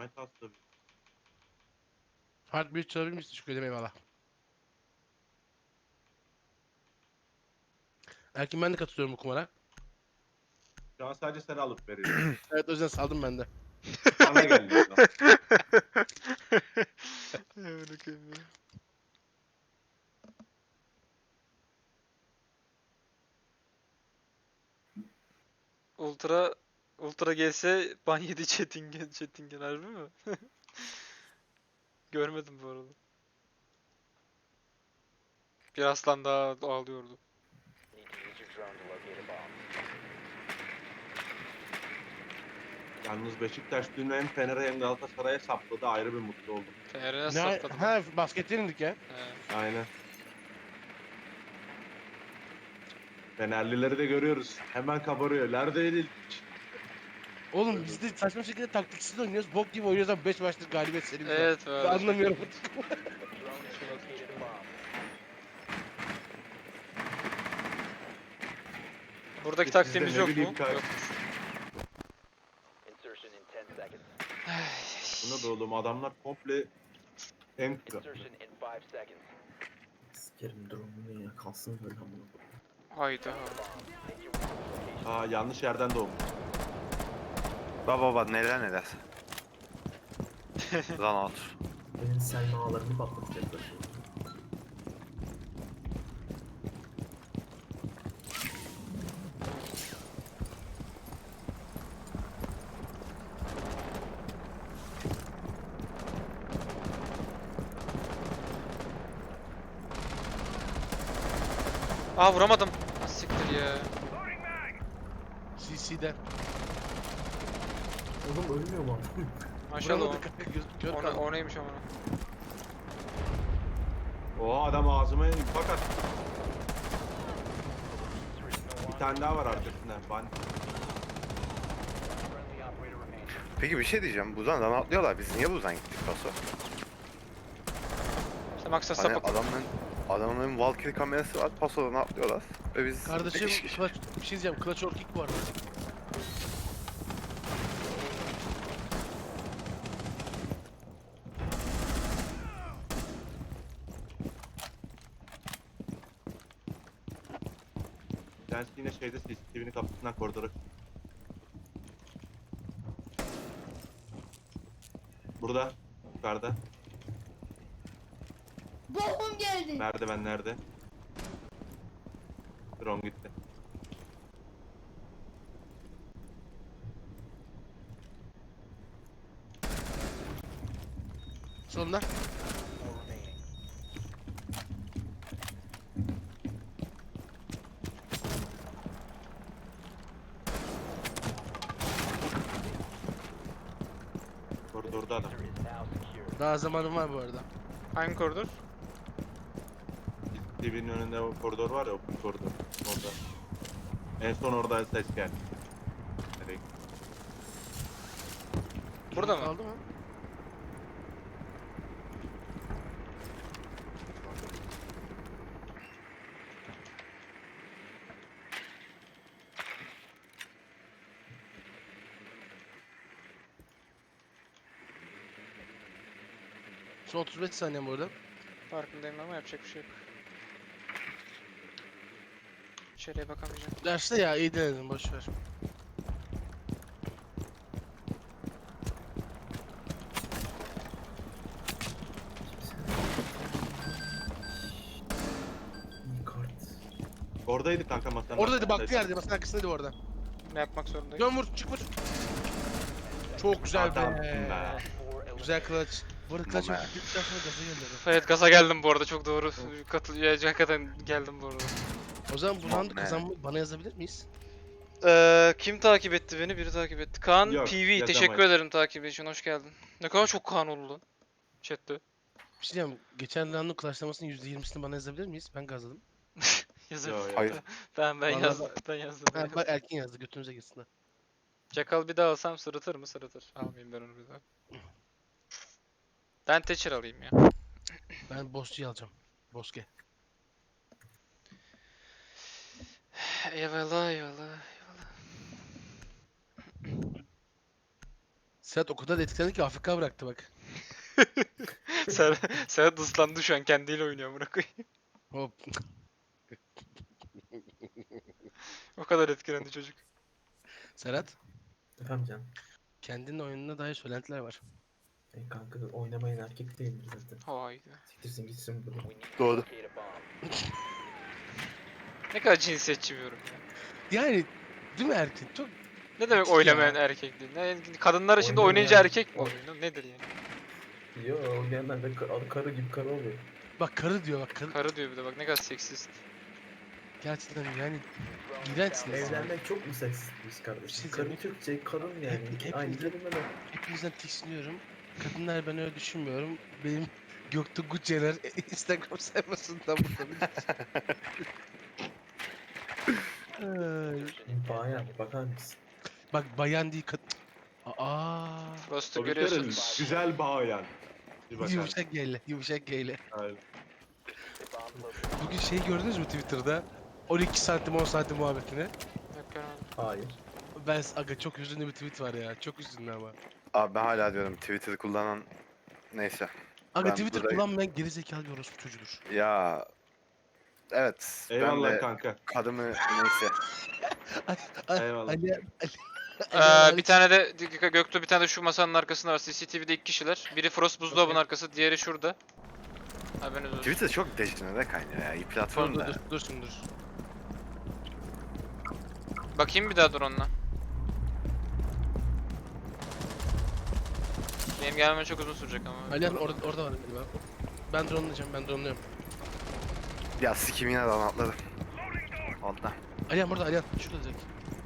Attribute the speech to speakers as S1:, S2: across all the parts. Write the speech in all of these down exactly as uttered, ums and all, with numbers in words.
S1: Aynı tas tabii.
S2: Heartbeat çalabilir misin? Teşekkür ederim, eyvallah. Erkin ben de katılıyorum bu kumara.
S1: Şu an sadece seni alıp veriyorum.
S2: Evet, o yüzden saldım ben de.
S1: Bana geldi o zaman.
S3: Amına koyayım ya. Ultra Ultra G S ban yedi Çetingen Çetingen harbi mi? Görmedim bu arada. Bir aslan daha ağlıyordu.
S1: Yalnız Beşiktaş dün hem Fener'e hem Galatasaray'a sapladı, ayrı bir mutlu oldum.
S3: Fener'e
S2: Ne?
S3: sapladım.
S2: Ha, basket yenildik ya.
S3: He.
S1: Aynen. Fenerlileri de görüyoruz. Hemen kabarıyor. Nerede yenildik?
S2: Oğlum biz de saçma şekilde taktiksiz oynuyoruz. Bok gibi oynuyoruz ama beş maçtır galibiyet serimiz var.
S3: Evet
S2: Ben
S3: böyle.
S2: anlamıyorum.
S3: Buradaki
S1: Biz de
S3: taktiğimiz
S1: ne
S3: yok
S1: bileyim
S3: mu?
S1: kanka.
S3: Yok.
S1: Buna da oğlum adamlar komple enter.
S4: Sikerim drone'unu ya kalsın böyle amına koyayım.
S3: Hayda.
S1: Aa yanlış yerden doğmuş.
S5: Baba baba neler neler. Lan otur.
S4: Benim Selma ağlarımı patlatacaklar şimdi.
S3: Aa vuramadım. Ah, siktir ya.
S2: C C'den.
S4: Oğlum ölmüyor mu?
S3: Maşallah o.
S2: Vuramadık kanka, göz kör
S3: O, ne-
S2: kaldı.
S3: o neymiş ama.
S1: O adam ağzıma infak attı. Bir tane daha var arkasında. Ban.
S5: Peki bir şey diyeceğim. Buzdan atlıyorlar. Biz niye buzdan gittik paso?
S3: İşte maksat
S5: Hani
S3: sapık.
S5: adamın adamın Valkyrie kamerası var. Pasodan atlıyorlar. Ve biz
S2: Kardeşim
S5: beş kişi.
S2: clutch, bir şey diyeceğim. Clutch or kick bu arada.
S1: Bir tanesi yine şeyde C C T V'nin kapısından koridora. Burada. Yukarıda.
S6: Bombum geldi.
S1: Merdiven nerede? Drone gitti.
S2: Sonunda.
S1: Koridorda adam.
S2: Daha zamanım var bu arada.
S3: Hangi koridor?
S1: C C T V'nin önünde o koridor var ya, o koridor. Orada. En son orada ses geldi. Nereye gitti?
S3: Burada mı?
S2: Kaldı mı? Son otuz beş saniye bu arada.
S3: Farkındayım ama yapacak bir şey yok. İçeriye bakamayacağım.
S2: Derste ya iyi denedin, boş ver.
S4: İyi kart.
S1: Oradaydı kanka masanın.
S2: Oradaydı, baktı
S1: arkasındaydı.
S2: yerde, masanın arkasındaydı orada.
S3: Ne yapmak zorundayım?
S2: Dön vur, çık vur. Çok güzel
S1: Adamsın
S2: be.
S1: be.
S2: Güzel clutch. Bu arada clutch
S5: Mama.
S2: bittikten sonra gaza geldi.
S3: Evet gaza geldim bu arada çok doğru. Katıl hakikaten geldim bu arada.
S2: O zaman bu roundu
S5: Mama.
S2: kazanmayı bana yazabilir miyiz?
S3: Ee, kim takip etti beni? Biri takip etti. Kaan
S1: Yok,
S3: P V teşekkür
S1: yazamayız.
S3: ederim takip için hoş geldin. Ne kadar çok Kaan oldu lan. Chat'te.
S2: Bir şey diyeceğim. Geçen roundun clutchlamasının yüzde yirmisini bana yazabilir miyiz? Ben gazladım.
S3: Yazın.
S1: Yo, yo.
S5: Hayır.
S3: Ben ben
S2: Vallahi
S3: yazdım. Ben yazdım.
S2: Ha, bak Erkin yazdı, götünüze gitsin.
S3: Çakal bir daha alsam sırıtır mı? Sırıtır. Almayayım ben onu bir daha. Ben Thatcher alayım ya.
S2: Ben Bosçu'yu alacağım. Boske.
S3: Eyvallah eyvallah.
S2: Serhat o kadar etkilendi ki Afrika bıraktı bak.
S3: Ser Serhat ıslandı şu an kendiyle oynuyor amına koyayım.
S2: Hop.
S3: O kadar etkilendi çocuk.
S2: Serhat,
S4: Efendim canım.
S2: kendinin oyununa dair söylentiler var.
S4: E kanka oynamayan erkek değildir zaten.
S3: Hayda.
S4: Siktirsin gitsin buradan.
S5: Doğru.
S3: Ne kadar cinsiyetçi bir yorum ya.
S2: Yani değil mi erkek? Çok
S3: Ne demek
S2: Ya.
S3: oynamayan erkek değil? Ne, kadınlar için de
S4: Oynamayan-
S3: oynayınca erkek mi oluyor? Nedir yani?
S4: Yo oynayanlar da ka- karı gibi karı oluyor.
S2: bak karı diyor bak karı.
S3: Karı diyor bir de bak ne kadar seksist.
S2: Gerçekten yani iğrençsiniz.
S4: Evlenmek çok mu seksist biz kardeşim?
S2: şey
S4: Karı
S2: söyleyeyim.
S4: Türkçe, karın yani.
S2: Hep- hep-
S4: Aynı kelime de.
S2: Hepinizden tiksiniyorum. Kadınlar ben öyle düşünmüyorum. Benim Göktuğ Gucce'ler Instagram sayfasından burada. Ay.
S4: Bayan bakar mısın?
S2: Bak bayan değil kadın. Aa.
S3: Frost'u
S1: O bir kere
S3: görüyorsunuz.
S1: güzel bayan. Bir bakar.
S2: Yumuşak geyle, yumuşak geyle.
S1: Aynen.
S2: Bugün şey gördünüz mü Twitter'da? on iki santim on santim muhabbetini.
S3: Yok görmedim.
S4: Hayır.
S2: Ben aga çok hüzünlü bir tweet var ya. Çok hüzünlü ama.
S5: Abi ben hala diyorum Twitter kullanan neyse.
S2: Aga
S5: Ben
S2: Twitter
S5: burada-
S2: kullanmayan gerizekalı bir orospu çocuğudur.
S5: Ya evet
S1: Eyvallah
S5: ben de
S1: kanka.
S5: kadını neyse.
S1: Eyvallah.
S2: Ali, Ali,
S3: Ee,
S2: Ali-
S3: bir tane de Göktuğ bir tane de şu masanın arkasında var. C C T V'de iki kişiler. Biri Frost buzdolabının
S2: Okey.
S3: arkası, diğeri şurada. Haberiniz olsun.
S5: Twitter çok dejenere kaynıyor ya. İyi
S2: Dur
S5: platform
S2: dur
S5: da.
S2: dur dursun dur.
S3: Bakayım bir daha drone'la. Benim gelmem çok uzun sürecek ama.
S2: Ali abi orada, orada var galiba. Ben drone'layacağım ben drone'luyorum.
S5: Ya sikim yine de atladım. Altta.
S2: Ali abi orada Ali abi şurada direkt.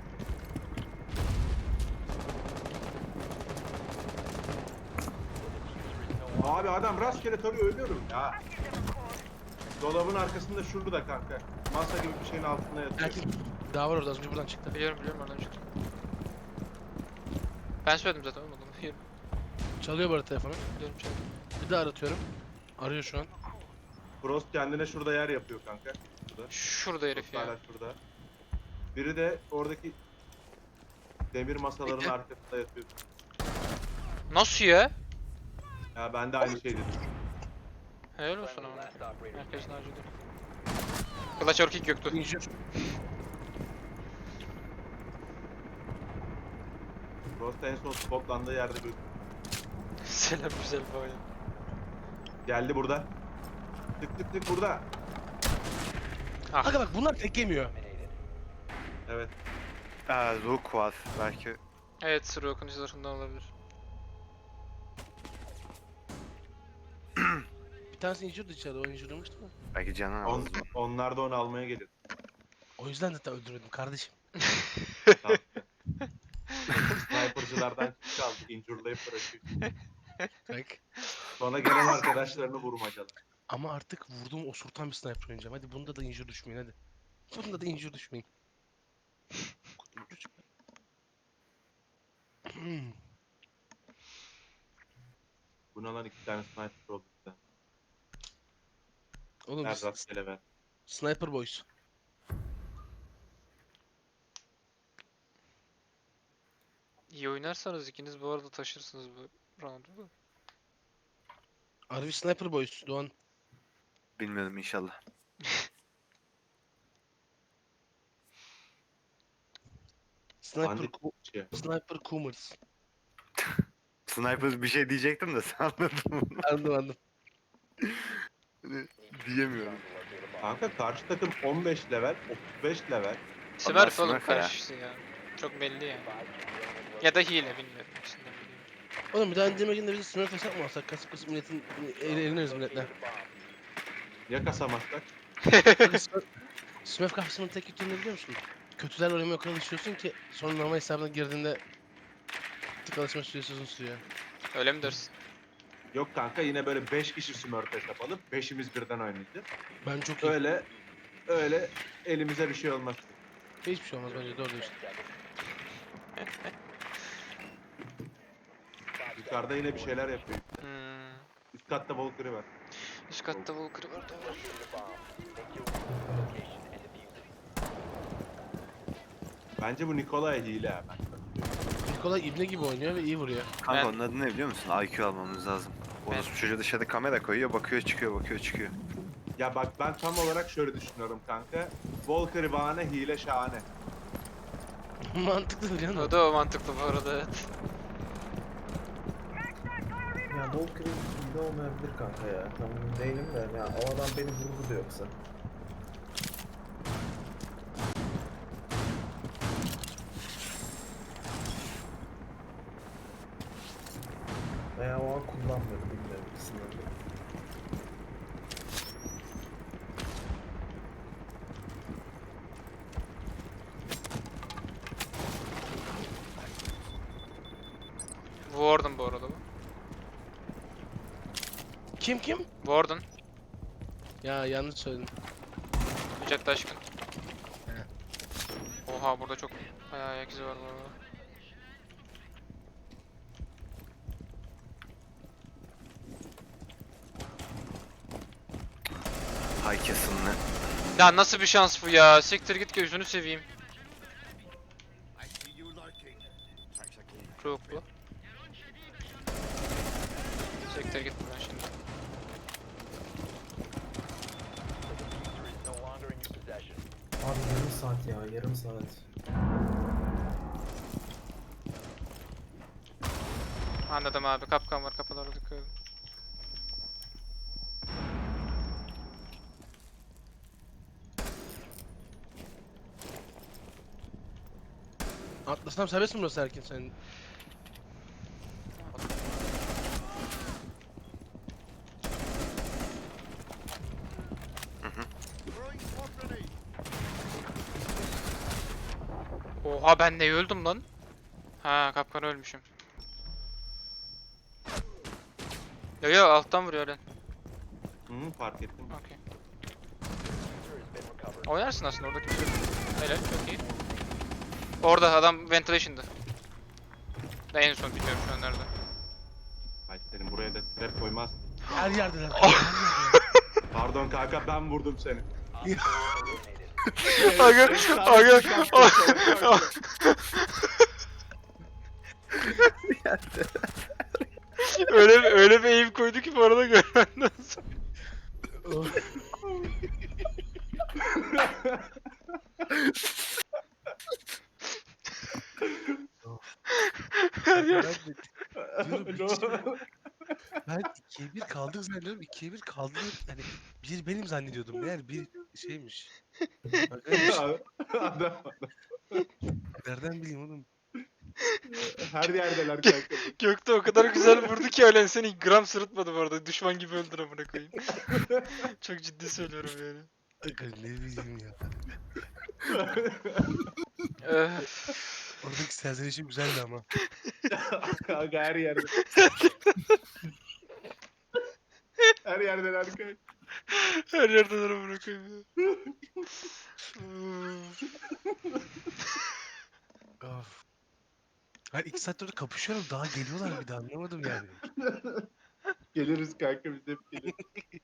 S1: Abi adam rastgele tarıyor ölüyorum ya. Dolabın arkasında şurada kanka. Masa gibi bir şeyin altında yatıyor.
S2: Belki daha var orada az önce buradan çıktı.
S3: Biliyorum biliyorum oradan çıktı. Ben söyledim zaten olmadı. Biliyorum
S2: Çalıyor bu arada telefonu.
S3: biliyorum. biliyorum.
S2: Bir daha aratıyorum. Arıyor şu an.
S1: Frost kendine şurada yer yapıyor kanka. Şurada.
S3: Şurada herif
S1: Frost hala
S3: ya.
S1: şurada. Biri de oradaki demir masaların
S2: Bekle.
S1: arkasında yatıyor.
S3: Nasıl ya?
S1: Ya ben de aynı şey dedim.
S3: Helal olsun ama. Herkesin harcadı. Kılıç orkik Göktuğ.
S2: İnjur.
S1: Frost en son spotlandığı yerde bir
S3: Selam güzel bayan.
S1: geldi burada. Tık tık tık burada.
S3: Ah.
S2: Aga bak bunlar tek yemiyor.
S1: Evet.
S5: Ee, Rook var belki.
S3: Evet sıra okunucularından olabilir.
S2: Bir tanesi injurdu içeride. O injurlamıştı mı?
S5: Belki canın
S1: On,
S5: aldı.
S1: onlar da onu almaya gelir.
S2: O yüzden zaten öldürüyordum kardeşim.
S1: Sniper'cılardan çaldı. Injurlayıp bırakıyor.
S2: Bak.
S1: Sonra gelen arkadaşlarını vurmacalar.
S2: Ama artık vurduğum osurtan bir sniper oynayacağım. Hadi bunda da injur düşmeyin hadi. Bunda da injur düşmeyin. Hmm.
S1: Buna lan iki tane sniper oldu. bir tane.
S2: Oğlum
S1: Ver
S2: biz
S1: rastgele ver.
S2: Sniper Boys.
S3: İyi oynarsanız ikiniz bu arada taşırsınız bu roundu da.
S2: Harbi Sniper Boys Doğan.
S5: Bilmiyorum inşallah.
S2: Sniper,
S1: Bandit
S2: Ku-
S1: şey.
S2: Sniper Coomers.
S5: Sniper bir şey diyecektim de sen anladın mı?
S2: Anladım anladım.
S5: Diyemiyorum.
S1: Kanka karşı takım on beş level, otuz beş level.
S3: Smurf oğlum
S5: Smurf ya.
S3: karşısı ya. Çok belli yani. Ya da hile bilmiyorum. İkisinden biri.
S2: Oğlum bir daha indirme günde bizi Smurf hesap mı alsak? Kasıp kasıp milletin eğleniriz milletle.
S1: Ya kasamazsak?
S2: Bakın Smurf, Smurf kafasının tek kötü ne biliyor musun? Kötülerle oynamaya o kadar alışıyorsun ki sonra normal hesabına girdiğinde tık alışma süresi uzun sürüyor.
S3: Öyle mi dersin?
S1: Yok kanka yine böyle beş kişi smurf hesap alıp beşimiz birden oynayacağız.
S2: Ben çok iyi.
S1: Öyle öyle elimize bir şey olmaz.
S2: Hiçbir şey olmaz bence doğru diyorsun.
S1: Yukarıda yine bir şeyler yapıyor.
S3: Hmm.
S1: Üst katta Valkyrie var.
S3: Üst katta Valkyrie var da var.
S1: Bence bu Nikolay hile ha ben.
S2: Nikola ibne gibi oynuyor ve iyi vuruyor.
S5: Kanka
S3: Ben-
S5: onun adı ne biliyor musun? I Q almamız lazım.
S3: Ben-
S5: Orası çocuğa dışarıda kamera koyuyor, bakıyor çıkıyor, bakıyor çıkıyor.
S1: Ya bak ben tam olarak şöyle düşünüyorum kanka. Volker bahane, hile şahane.
S2: Mantıklı biliyor
S3: O
S2: musun?
S3: da o mantıklı bu arada, evet.
S4: Ya Volker'in iyi olmayabilir kanka ya. Tam emin değilim de ya o adam beni vurdu da yoksa. Veya o an kullanmadı bilmiyorum ikisinden de.
S3: Warden bu arada bu.
S2: Kim kim?
S3: Warden.
S2: Ya yanlış söyledim.
S3: Yücel Taşkın. Oha burada çok bayağı ayak izi var bu arada.
S5: Hay kesinle.
S3: Ya nasıl bir şans bu ya? Siktir git gözünü seveyim. Çok bu. Siktir git buradan şimdi.
S4: Abi yarım saat ya yarım saat.
S3: Anladım abi, kapkan var, kapılara dikkat edin.
S2: Atlasam serbest mi burası Erkin senin?
S3: Oha ben ne öldüm lan? Ha, kapkan ölmüşüm. Yo yo, alttan vuruyor lan.
S1: Hı, fark ettim.
S3: Okey. Oynarsın aslında, orada kimse yok. Helal, çok iyi. Orada adam ventilation'dı. Da en son bilmiyorum şu an nerede.
S1: Ay senin buraya da trap koymaz.
S2: Her yerdeler. Her yerdeler.
S1: Pardon kanka ben vurdum seni.
S3: Aga, aga. öyle öyle bir aim koydu ki bu arada görmenden sonra. Her yer.
S2: Diyorum, bir şey- Ben ikiye bir kaldık zannediyorum. ikiye bir kaldık. Hani bir benim zannediyordum. Meğer bir şeymiş. Arkadaş,
S1: Adam
S2: nereden bileyim oğlum?
S1: her yerdeler kanka.
S3: Gökte o kadar güzel vurdu ki ölen seni gram sırıtmadı bu arada. Düşman gibi öldür amına koyayım. Çok ciddi söylüyorum yani.
S2: Aga ne bileyim ya.
S3: Öf.
S2: Oradaki serzenişim güzeldi ama.
S1: Kanka her yerde. Her yerdeler kanka.
S3: Her yerden amına koyayım ya.
S2: Of. Ben iki saattir orada kapışıyorum. Daha geliyorlar bir daha anlamadım yani.
S1: Geliriz kanka biz hep geliriz.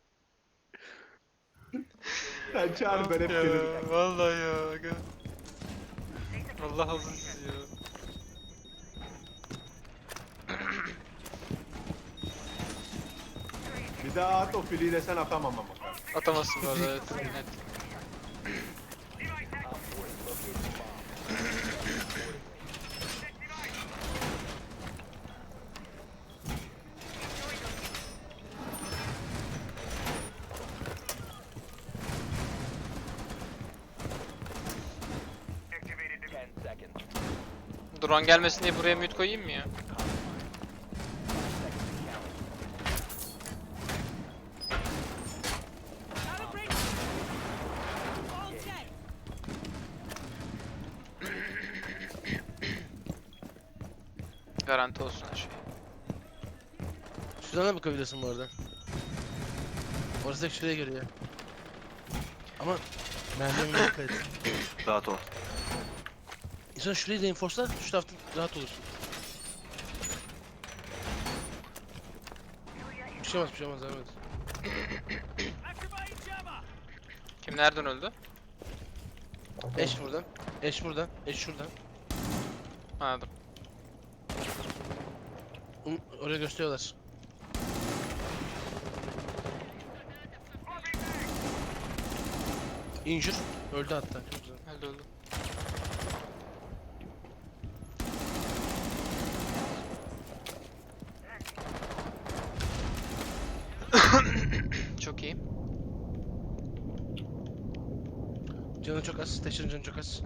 S1: Sen çağır ben hep
S3: Ya,
S1: gelirim.
S3: vallahi ya. Aga. Allah olsun sizi ya.
S1: Bir daha at o filiyi de sen atamam ama.
S3: Atamazsın bu arada, evet. Evet. Drone gelmesin diye buraya mute koyayım mı ya? Garanti olsun her şey.
S2: Şuradan da bakabilirsin bu arada. Orası da şuraya görüyor. Ama merdivenine dikkat et.
S5: Rahat ol.
S2: İnsan şurayı reinforce'la şu tarafta rahat olursun. Bir şey olmaz, bir şey olmaz, evet.
S3: Kim nereden öldü?
S2: Eş buradan, eş buradan, eş şuradan.
S3: Anladım.
S2: Hı, oraya gösteriyorlar. Injur. Öldü hatta. Çok güzel.
S3: Öldü öldü. Çok iyi.
S2: Canı çok az. Taşın canı çok az.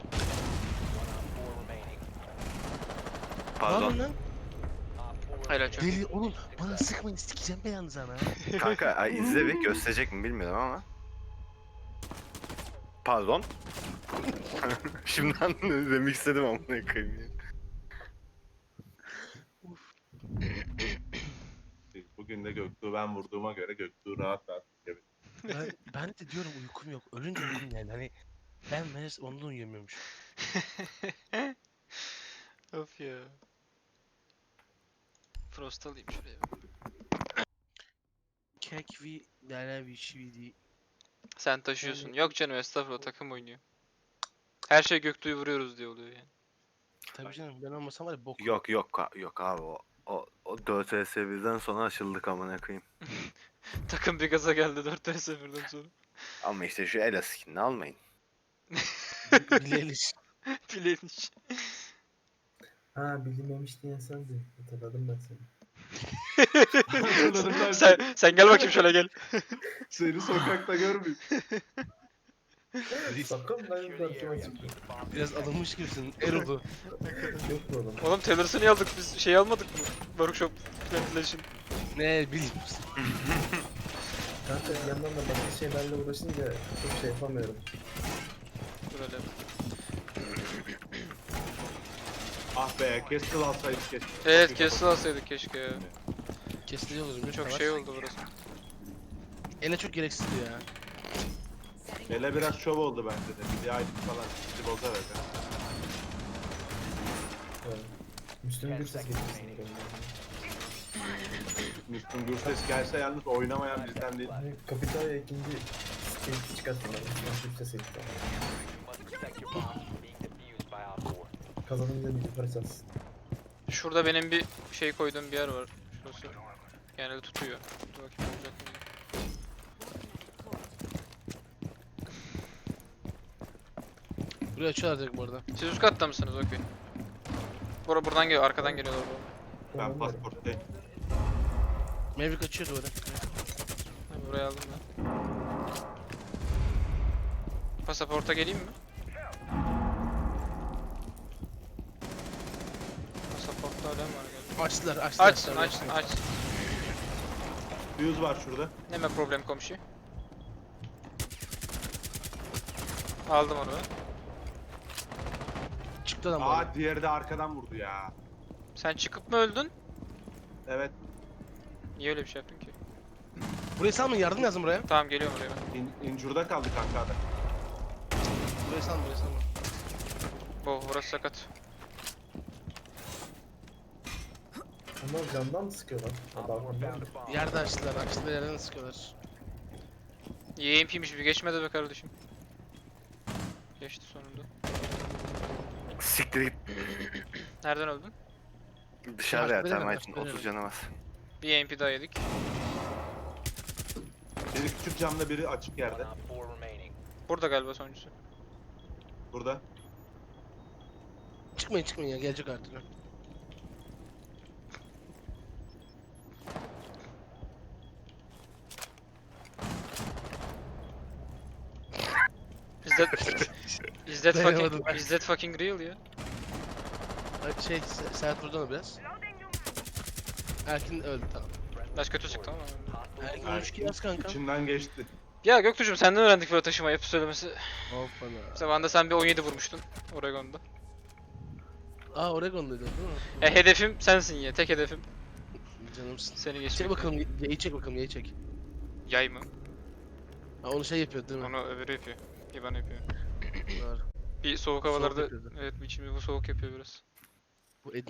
S2: Ne
S5: Pardon.
S2: yapıyorsun lan?
S3: Helal çok iyi.
S2: Deli oğlum. Bana sıkmayın. Sikeceğim be yalnız ana.
S5: Kanka ay, izle bir gösterecek mi bilmiyorum ama. Pardon. Şimdiden remixledim amına koyayım ya.
S1: Bugün de Göktuğ ben vurduğuma göre Göktuğ rahat rahat çıkabilir.
S2: Ben, ben de diyorum uykum yok. Ölünce uykum geldi. Hani ben meğer ondan uyuyamıyormuş.
S3: Of ya. Frost alayım şuraya.
S2: Kek vi derler bir şey değil.
S3: Sen taşıyorsun. Yok canım estağfurullah takım oynuyor. Her şey Göktuğ'u vuruyoruz diye oluyor yani.
S2: Tabii canım ben olmasam var ya bok.
S5: Yok yok ka- yok abi o. O, o dört vs birden sonra açıldık amına koyayım.
S3: Takım bir gaza geldi dört vs birden sonra.
S5: Ama işte şu Ela skinini almayın.
S2: Bileliş.
S3: Bileniş.
S4: Ha bilinmemiş diyen sendin. Hatırladım ben seni.
S1: Hatırladım ben
S3: sen, sen gel bakayım şöyle gel.
S1: seni sokakta görmeyeyim.
S4: Sakın ben karşıma çıkma.
S2: Biraz alınmış gibisin. Erudu.
S4: Yok mu oğlum?
S3: Oğlum Taylors'ı aldık biz şey almadık mı? Workshop ventilation.
S2: Ne bileyim işte.
S4: Kanka bir yandan da başka şeylerle uğraşınca çok şey yapamıyorum.
S3: Böyle.
S1: Ah be Castle alsaydık keşke.
S3: Evet Castle alsaydık keşke ya.
S2: Kesici olur.
S3: Çok şey oldu burası.
S2: Ele çok gereksizdi ya.
S1: Ele biraz şov oldu bence de. Bir aylık falan bizi bozar öyle.
S4: Evet. Müslüm Gürses getirsin.
S1: Müslüm Gürses gelse yalnız oynamayan bizden değil.
S4: Hani Kapitalya ikinci stage çıkarttılar. Müslüm Gürses'e gitti. Kazanınca bir yukarı çalsın.
S3: Şurada benim bir şey koyduğum bir yer var. Şurası. Genelde tutuyor. Dur bakayım olacak mı?
S2: Buraya açıyorlar direkt bu arada.
S3: Siz üst katta mısınız? Okey. Bura buradan geliyor, arkadan geliyorlar bu.
S1: Ben
S4: Tamam,
S1: pasporttayım.
S2: Maverick açıyor duvara.
S3: Ben buraya aldım ben. Pasaporta geleyim mi? Pasaportta alem var galiba.
S2: Açtılar açtılar.
S3: Açsın, açsın, açsın.
S1: Fuse var şurada.
S3: Neme problem komşu. Aldım onu ben.
S2: Çıktı lan bu arada.
S1: Aa diğeri de arkadan vurdu ya.
S3: Sen çıkıp mı öldün?
S1: Evet.
S3: Niye öyle bir şey yaptın ki?
S2: Burayı salmayın yardım lazım buraya.
S3: Tamam geliyorum oraya ben.
S1: In, incurda kaldı kanka adam.
S2: Burayı salma burayı salma.
S3: Oh burası sakat.
S4: Onlar camdan mı sıkıyorlar? Ha, balkondan mı?
S2: Yerde açtılar açtılar yerden sıkıyorlar.
S3: Y M P'ymiş bir geçmedi be kardeşim. Geçti sonunda.
S5: Siktir git
S3: Nereden öldün?
S5: dışarıda ya
S2: Başka
S5: tamam
S2: veremem,
S5: için
S2: başka
S5: otuz canı var.
S3: Bir Y M P daha yedik.
S1: Biri küçük camda biri açık yerde.
S3: Burada galiba sonuncusu.
S1: Burada.
S2: Çıkmayın çıkmayın ya gelecek artık.
S3: Is that, is that
S2: Dayanamadım
S3: fucking,
S2: ben.
S3: is that fucking real ya?
S2: Ay, Şey Se- Serhat vurdu onu biraz. Erkin öldü tamam.
S3: Baş kötü çıktı ama.
S2: Erkin üç kill az kanka.
S1: İçinden geçti.
S3: Ya Göktuğ'cum senden öğrendik böyle taşıma yapı söylemesi.
S2: Hoppana.
S3: Zamanında sen bir on yedi vurmuştun Oregon'da.
S2: Aa Oregon'daydı değil mi?
S3: Ya hedefim sensin ya, tek hedefim.
S2: Canımsın.
S3: Seni
S2: Çek
S3: geçmek.
S2: bakalım yayı çek bakalım yayı çek.
S3: Yay mı?
S2: Ha onu şey yapıyor değil mi?
S3: Onu öbürü yapıyor. İban yapıyor.
S2: Doğru.
S3: Bir soğuk
S2: Soğuk
S3: havalarda,
S2: yapıyordu.
S3: evet içimi bu soğuk yapıyor biraz.